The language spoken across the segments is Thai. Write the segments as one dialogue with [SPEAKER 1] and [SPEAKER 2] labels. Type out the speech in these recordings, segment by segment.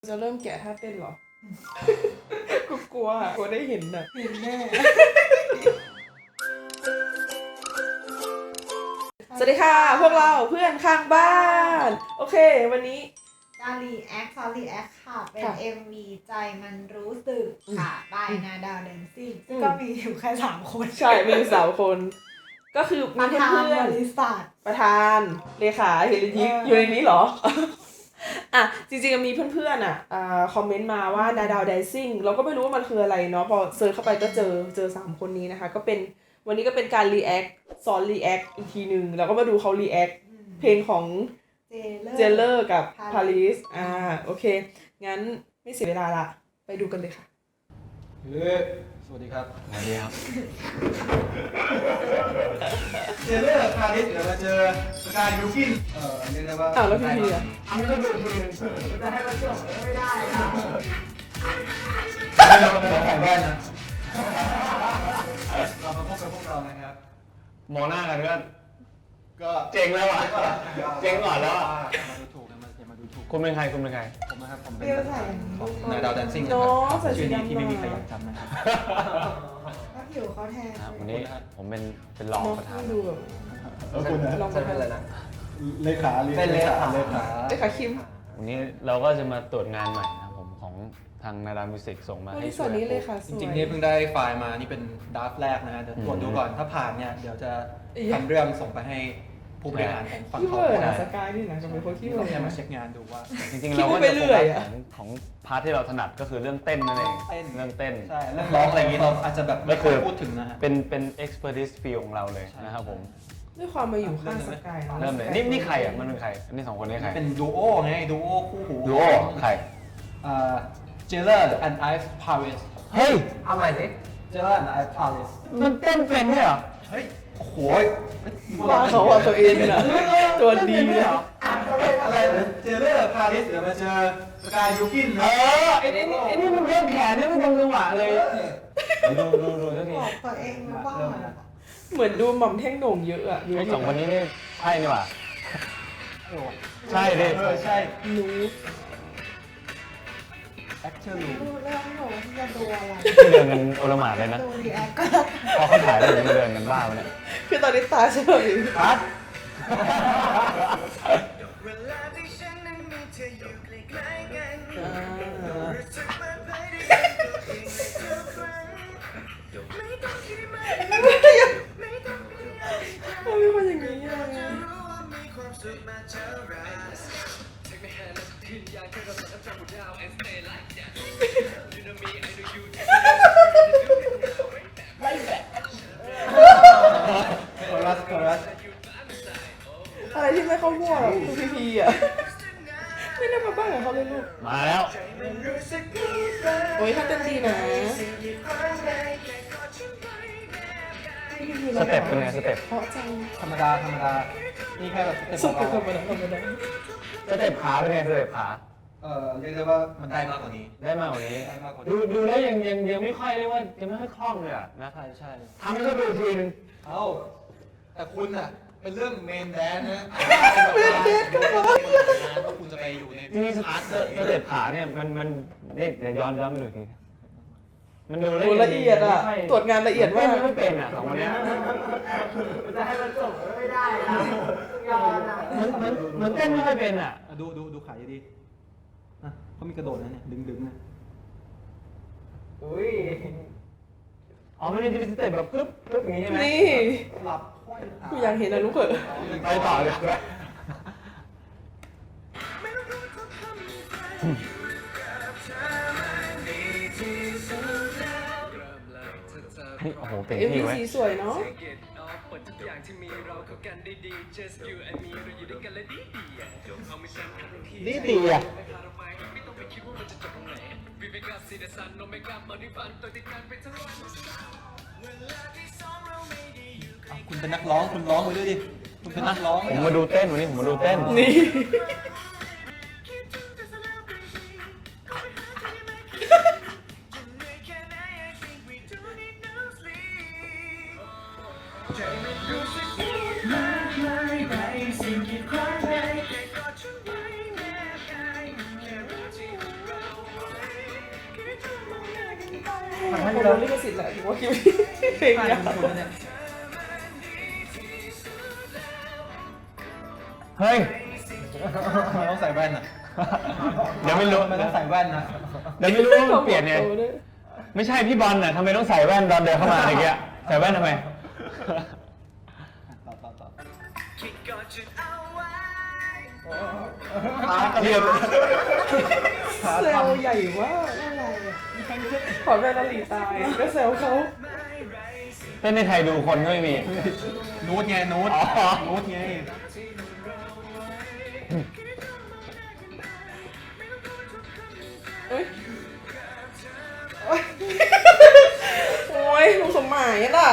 [SPEAKER 1] จะเริ่มแกะท่าเต้นเหรอ กูกลัวได้เห็นแบบเห็นแน่ สวัสดีค่ะพวกเราเพื่อนข้างบ้าน โอเควันนี้
[SPEAKER 2] การรีแอคค่ะเป็น MV ใจมันรู้สึกค่ะบายนาดาวแดนซิ่งซึ่งก็มีอยู่แค่3 คน
[SPEAKER 1] ใช่มี3 คน ก็คือมีเพื่อน
[SPEAKER 2] บริษัท
[SPEAKER 1] ประธานเลขาเฮลิทิกอยู่ในนี้เหรอ อ่ะจริงๆมีเพื่อนๆคอมเมนต์มาว่านาดาวแดนซิ่งเราก็ไม่รู้ว่ามันคืออะไรเนาะพอเซิร์ชเข้าไปก็เจอ3 คนนี้นะคะก็เป็นวันนี้ก็เป็นการรีแอคสอนรีแอคอีกทีนึงแล้วก็มาดูเขารีแอคเพลงของเจเลอร์กับพาริสโอเคงั้นไม่เสียเวลาละไปดูกันเลยค่ะ
[SPEAKER 3] สวัสดีครับ
[SPEAKER 4] สวัสดีครับ
[SPEAKER 3] เจเลอร์พาริสเดี๋ยวมาเจอสกายยูกินเรียกได้ว่า
[SPEAKER 1] แล้วพี่พีอ่ะ
[SPEAKER 2] อันนี้ก็ดูจะให้มันจบไม่ได้นะ
[SPEAKER 3] ไม่เราแข่งได้นะเรามาพบกับพวกเรานะครับ
[SPEAKER 4] มองหน้ากันก็
[SPEAKER 3] เจ๋งแล้วอ่ะ
[SPEAKER 4] เจ๊งก่อนแล้วอ่ะ
[SPEAKER 3] มาดูถูกนะมาดูถูก
[SPEAKER 4] คุณเป็นใครคุณเป็นใคร
[SPEAKER 3] ผมนะครับผมเป็น
[SPEAKER 2] เรียวใส่
[SPEAKER 3] ของนาดาวแดนซิ่งนะ
[SPEAKER 1] น้
[SPEAKER 3] ค
[SPEAKER 1] อ
[SPEAKER 3] รั
[SPEAKER 1] งใส่
[SPEAKER 3] ชื่
[SPEAKER 1] สี
[SPEAKER 3] อนี้
[SPEAKER 1] ดำ
[SPEAKER 3] ที่ไม่มีใครอยากจำนะครับ
[SPEAKER 2] ก็ผิวเขาแทน
[SPEAKER 4] วันนี้ผมเป็นรองประธาน
[SPEAKER 1] ดูแบบ
[SPEAKER 3] แล้วคุณนะ
[SPEAKER 1] ลองมาเป็นอะไรนะ
[SPEAKER 3] เลขาเป็นเลขา
[SPEAKER 1] เลขาคิม
[SPEAKER 4] วันนี้เราก็จะมาตรวจงานใหม่นะครับผมของทางนาดามิวสิกส่งมา
[SPEAKER 1] วัน
[SPEAKER 4] ให้
[SPEAKER 1] นี้สวัสดีเลยค่ะส
[SPEAKER 3] จ
[SPEAKER 1] วย
[SPEAKER 3] ริงๆนี่เพิ่งได้ไฟล์มานี่เป็นดราฟต์แรกนะฮะเดี๋ยวตรวจดูก่อนถ้าผ่านเนี่ยเดี๋ยวจะทำเรื่องส่งไปให้ผู้บริหารของฝั่ง
[SPEAKER 1] ขี้
[SPEAKER 3] เขา
[SPEAKER 1] เวอร์
[SPEAKER 3] ได้
[SPEAKER 1] นะสกายนี่นะจะเป็นคนขี้เวอร์
[SPEAKER 3] แค่มาเช็คงานดูว่า
[SPEAKER 4] จริงๆเราก็
[SPEAKER 1] คิดไป
[SPEAKER 4] จะ
[SPEAKER 1] เรื่
[SPEAKER 4] โฟ
[SPEAKER 1] อ
[SPEAKER 4] กั
[SPEAKER 1] ย
[SPEAKER 4] ส
[SPEAKER 1] อะ
[SPEAKER 4] ของพาร์ทที่เราถนัดก็คือเรื่องเต้นนั่นเองเรื่องเต้น
[SPEAKER 3] ใช่เรื่องร้องอะไรอย่างงี้เราอาจจะแบบไม่ค่อยพูดถึงนะฮะ
[SPEAKER 4] เป็น expertise field ของเราเลยนะครับผม
[SPEAKER 1] ด้วยความมาอยู่ข้างสกาย
[SPEAKER 4] เริ่มเลยนี่ใครอ่ะมันเป็นใครอันนี้2 คนนี้ใคร
[SPEAKER 3] เป็นดูโอไงดูโอคู่หู
[SPEAKER 4] ดูโอใคร
[SPEAKER 3] เจเลอร์แอนด์ไอซ์พาริส
[SPEAKER 4] เฮ้ย
[SPEAKER 2] เอาใหม่สิ
[SPEAKER 3] เจเลอร์แอนด์ไอซ์พาริส
[SPEAKER 4] มันเต้นเป็นเนี่ยเหรอ
[SPEAKER 3] เฮ้ยโอ้โห
[SPEAKER 1] ว่าเขาอะตัวเองนะตัวดีเลย
[SPEAKER 3] อะไรเจเลอร์พาริสเดี๋ยวมาเจอสกายยูกินนะ
[SPEAKER 4] ไอ้นี่มันเล่นแขนนี่มันตรงจังหวะเลยดูสักที
[SPEAKER 2] บอกตัวเองนะว่า
[SPEAKER 1] เหมือนดูหม่อมแท่งโหน่งเยอะอะ
[SPEAKER 4] ไอ้2 คนนี้นี่ใช่นี่หว่าใช่ดิ
[SPEAKER 3] ใช่
[SPEAKER 1] รู้
[SPEAKER 3] แอคเชอร์ลู
[SPEAKER 2] ดูเรื่องหนูที่จะดูอะไร
[SPEAKER 4] ไม่เดินกันโอลหม่านเลยนะ
[SPEAKER 2] ดูรีแอคก็
[SPEAKER 4] พอเขาถ่ายแล้วยังไม่เดินกันบ้าไปเนี่ย
[SPEAKER 1] คือตอนนี้ตาเฉย
[SPEAKER 3] คัด
[SPEAKER 5] เวลาที่ฉันนั้นมีเธออยู่ใกล้ๆกันรู้สึกเปิดเผยได้ด้วยตัวเองในทุกครั้งไม่ต้องคิดมากไม่ต้องคิดอะไร
[SPEAKER 1] ทำไมเป็นคนอย่างนี้อะ
[SPEAKER 5] จะรู้ว่ามีความสุขมากเท่าไหร่ Take my hand and pin อยากให้เราสัมผัสดาว and stay like that You know me I know you
[SPEAKER 3] คอรัส
[SPEAKER 1] อะไรที่ไม่เข้าหัวอะคือพีอะไม่ได้มาบ้านกับเขาเลยลูก
[SPEAKER 4] มาแล้ว
[SPEAKER 1] โอ้ยถ้าเต้นดีนะ
[SPEAKER 4] สเต็ปเป็นไงสเต็ป
[SPEAKER 1] เพราะจัง
[SPEAKER 3] ธรรมดานี่แค่แบบ
[SPEAKER 1] สุดธรรมดา
[SPEAKER 4] สเต็ปขาเป็นไงสเต็ปขา
[SPEAKER 3] เรียกได้ว่ามันได้มากกว่านี้
[SPEAKER 4] ได้มากกว่านี้
[SPEAKER 3] ได้มากกว่านี้
[SPEAKER 4] ดูแล้วยังไม่ค่อยเรียกว่ายังไม่ค่อยคล่องเลยอะนะ
[SPEAKER 3] ใช่
[SPEAKER 4] ทำให้เขาดูทีนึง
[SPEAKER 3] เอ้าแต่คุณอ่ะเป็นเรื่องเมนแดนนะว่าคุณจะไปอยู่ใน
[SPEAKER 4] จริงๆ
[SPEAKER 3] พาร์ท
[SPEAKER 4] สเต็ปขาเนี่ยมันเนี่ยเดี๋ยวย้อนไปดูอีกทีมันดู
[SPEAKER 1] โอ้ละเอียดอะตรวจงานละเอียดมาก
[SPEAKER 4] ไม่เป็นอ่ะ2 คนเนี้ย
[SPEAKER 2] จะให้มันจบไม่ได้นะยอนอ่ะ
[SPEAKER 4] มันเต้นไม่ค่อยเป็นอ่ะ
[SPEAKER 3] ดูขาดีๆนะเขามีกระโดดนะเนี่ยดึงนะ
[SPEAKER 1] อุ้ย
[SPEAKER 4] อ๋อไม่ได้เป็นสเต็ปแบบปึ๊บอย่างนี้ใช่ไหม
[SPEAKER 1] นี่
[SPEAKER 3] หลับค่อย
[SPEAKER 1] กูอยากเห็นนะลูกเขย
[SPEAKER 4] ไปต่อเลยโอ้โหเต็ม
[SPEAKER 1] เอ็ม
[SPEAKER 4] ที่
[SPEAKER 1] วี
[SPEAKER 4] ไว้
[SPEAKER 1] สีสวยเนาะ
[SPEAKER 5] Get off หมดทุกอย่างที่มีเราเข้ากันได้ดี Just you and me เราอยู่ด้วยกันและดีๆยกเอาไม่สั่นทันที
[SPEAKER 4] ดีอ่ะ
[SPEAKER 5] ไม่พาเราไปไม่ต้องไปคิดว่ามันจะจบตรงไหน We wake up see the sun no make up มาด้วยฝันตัวติดกันไปทั้งวันเวลาที่สองเราไม่ได้อยู่ใกล้
[SPEAKER 3] คุณเป็นนักร้องคุณร้องไปด้วยดิคุณเป็นนักร้อง
[SPEAKER 4] ผมมาดูเต้นวันนี้ผมมาดูเต้น
[SPEAKER 1] นี่
[SPEAKER 5] คิดถึงแต่ celebrity ขอไปหาเธอได้ไหมคิดจะเหนื่อยแค่ไหน I think we don't need no sleep ใจมันรู้สึกดีมากมายในสิ่งที่คว้าไว้แค่กอดฉันไว้แนบกายแค่รู้ที่ว่าเรา
[SPEAKER 1] ขโมยลิขสิทธิ์แหละถือว่าคิวเพลง
[SPEAKER 3] ผ่าน
[SPEAKER 1] ยาว
[SPEAKER 3] คุณเนี่ย
[SPEAKER 4] เฮ้ย
[SPEAKER 3] ต้องใส่แว่นอ่ะ
[SPEAKER 4] เดี๋ยวไม่รู้
[SPEAKER 3] ไม่ต้องใส่แว่นนะ
[SPEAKER 4] เดี๋ยวไม่รู้ว่ามันเปลี่ยนไง ไม่ใช่พี่บอลน่ะทำไมต้องใส่แว่นตอนเดินเข้ามาอะไรเงี้ยใส่แว่นทำไม
[SPEAKER 3] ต่อ
[SPEAKER 5] คิดก่อนจะเอาไว้
[SPEAKER 4] เรียบ
[SPEAKER 1] เซลล์ใหญ่มากอะไรอ่ะขอแม่นาลีตายก็เซลล์เขา
[SPEAKER 4] เต้นในไทยดูคนก็ไม่มี
[SPEAKER 3] นูดไงนูด
[SPEAKER 4] อ๋อ
[SPEAKER 3] นูดไง
[SPEAKER 1] เอ้ยโอ้ยลุงสมหมายน่ะ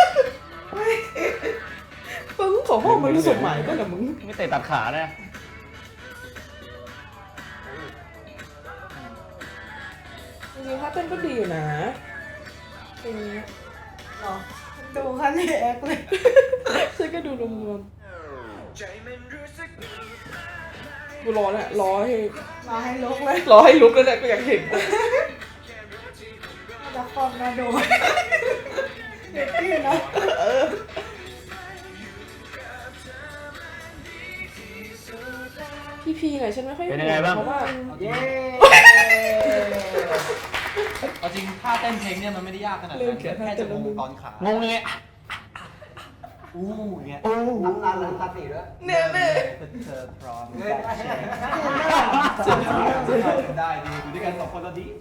[SPEAKER 1] มึงขอห้องมันลุงสมหมายก็เหรอมึง
[SPEAKER 4] ไม่เตะตัดขานะ
[SPEAKER 1] จริงๆถ้าเต้นก็ดีอยู่นะเพลงนี้
[SPEAKER 2] หรอดูคันรีแอคเลย
[SPEAKER 1] ฉันก็ดูรวม
[SPEAKER 5] ใจมันรู้สึก
[SPEAKER 1] ๆกูรอแหละรอให้
[SPEAKER 2] มาให้ลุกเลย
[SPEAKER 1] รอให้ลุกแล้วแหละกูอยากเห็น
[SPEAKER 2] น่าจะฟอมน่าดูเด็กพี่นะ
[SPEAKER 1] พี่พีหน่อยฉันไม่ค่อย
[SPEAKER 4] เป็นยังไงบ้าง
[SPEAKER 1] เพราะว่า
[SPEAKER 2] เย้
[SPEAKER 3] เอาจริงท่าเต้นเพลงเนี่ยมันไม่ได้ยากขนาดนั้นแค่จะงงตอนขาง
[SPEAKER 4] งยังไงอ่ะ
[SPEAKER 3] อู้อย่างเงี้ย
[SPEAKER 6] น้ำตาลน้ำตาสีด้วย
[SPEAKER 1] เนี่ยแม่
[SPEAKER 3] เธอพร้อมได้ดีอยู่ด้วยกันสองคนแล้วดี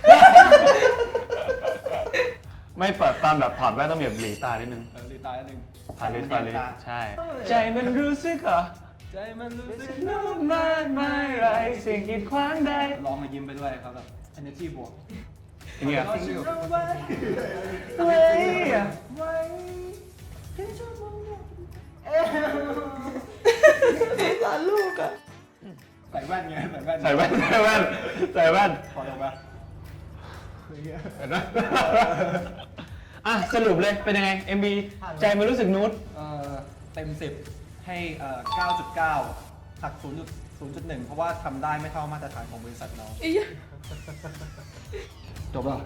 [SPEAKER 4] ไม่เปิดตอนแบบถอดแว่นต้องแบบหลีตานิดนึง
[SPEAKER 3] ลืมตาหนึ่ง
[SPEAKER 4] ผ่านลิสผ่านลิสใช่ ใจมันรู้สึกเหรอ
[SPEAKER 3] ใจมันรู้สึก
[SPEAKER 4] มากมายไรสิ่งกีดขวางใด
[SPEAKER 3] ร้องมายิ้มไปด้วยครับแบบ energy บวก
[SPEAKER 4] อย่างเงี้ย
[SPEAKER 3] เว้ย
[SPEAKER 1] ร้านลูกอ่ะ
[SPEAKER 3] ใส่แว่นไงใส่แว่น
[SPEAKER 4] ใส่แว่นใส่แว่นใส่แว่น
[SPEAKER 3] พอลงมา
[SPEAKER 4] เห็นไหมอ่ะสรุปเลยเป็นยังไง MB ใจมันรู้สึกนูด
[SPEAKER 3] เต็ม 10 ให้ 9.9 หัก 0.1 เพราะว่าทำได้ไม่เท่ามาตรฐานของบริษัทเรา
[SPEAKER 1] อียะ
[SPEAKER 3] จบแล้ว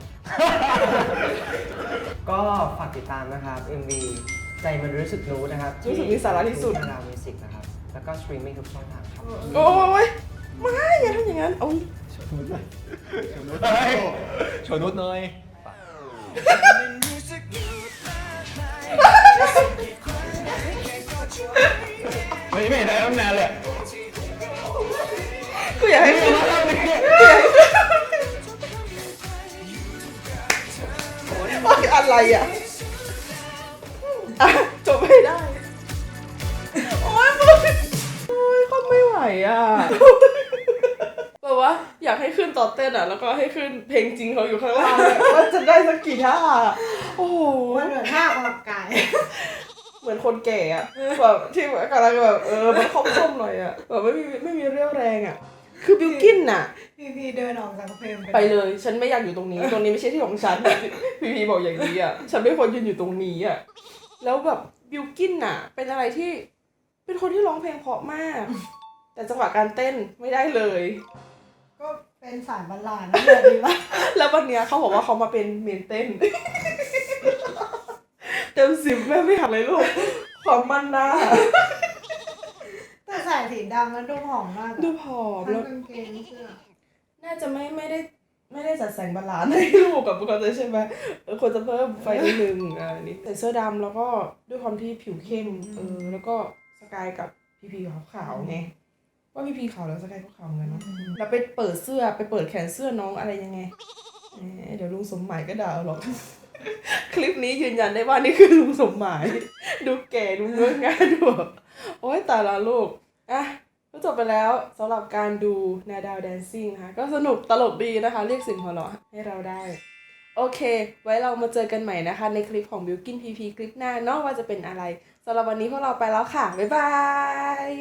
[SPEAKER 6] ก็ฝากติดตามนะครับ MV ใจมันรู้สึกรู้นะครับ
[SPEAKER 1] รู้สึกมีสาระที่สุด
[SPEAKER 6] ดาวมิวสิกนะครับ แล้วก็สตรีมมิ่งทุกช่องทางครับ
[SPEAKER 1] โอ้ยไม่อย่าทำอย่างนั้นเอา
[SPEAKER 3] โชว์นุชหน่อย
[SPEAKER 4] ไม่เห็นอะไรตั้งนานเลย
[SPEAKER 1] กูอยากให้มึงโอ้ยอะไรอ่ะอ่ะจบไม่ได้ โอ้ยมึงโอ้ยเขาไม่ไหวอ่ะแบบว่าอยากให้ขึ้นตอนเต้นอ่ะ แล้วก็ให้ขึ้นเพลงจริงเขาอยู่ข้างล่างว่าจะได้สักกี่ท่าโอ้โห
[SPEAKER 2] มันเหมือนท่าออกกำลังกาย
[SPEAKER 1] เหมือนคนแก่อะแบบที่กำลังแบบมันค่อมๆหน่อยอะแบบไม่มีเรี่ยวแรงอะคือบิวกินน่ะ
[SPEAKER 2] พี่เดินออกจากเพลง
[SPEAKER 1] ไปเลย ฉันไม่อยากอยู่ตรงนี้ ตรงนี้ไม่ใช่ที่ของฉัน พี่บอกอย่างนี้อะฉันไม่ควรยืนอยู่ตรงนี้อะแล้วแบบบิวกินน่ะ เป็นอะไรที่เป็นคนที่ร้องเพลงเพราะมาก แต่จังหวะการเต้นไม่ได้เลย
[SPEAKER 2] ก็เป็นสายบัลลาดนะแบบนี้ละ
[SPEAKER 1] แล้ววันเนี้ยเขาบอกว่าเขามาเป็นเมนเต้น เต็ม10แม่ไม่หักเลยลูกความมันหน้า
[SPEAKER 2] แต่ใส่สีดำแล้วดูผอมมากอะ
[SPEAKER 1] ดูผอม
[SPEAKER 2] ทั้
[SPEAKER 1] แล้ว
[SPEAKER 2] งกางเกงเสื้อ
[SPEAKER 1] น่าจะไม่ได้จัดแสงบาลานซ์ให้ลูกกับปกติใช่ไหมควรจะเพิ่มไฟนิดนึงนี่ใส่เสื้อดำแล้วก็ด้วยความที่ผิวเข้มแล้วก็สกายกับพีพีขาวๆไงว่าพีพีขาวแล้วสกายก็ขาวเหมือนกันเนาะแล้วไปเปิดเสื้อไปเปิดแขนเสื้อน้องอะไรยังไงเดี๋ยวลุงสมหมายก็ด่าเอาหรอก คลิปนี้ยืนยันได้ว่านี่คือลุงสมหมาย ดูแก่ดูเงื้องานดูแบบโอ๊ยตายละลูกอ่ะก็จบไปแล้วสำหรับการดูนาดาวแดนซิ่งนะคะก็สนุกตลกดีนะคะ เรียกเสิ่งหัวเราะให้เราได้ โอเค ไว้เรามาเจอกันใหม่นะคะ ในคลิปของ Bilkin PP คลิปหน้าเนาะว่าจะเป็นอะไรสำหรับวันนี้พวกเราไปแล้วค่ะ บ๊ายบาย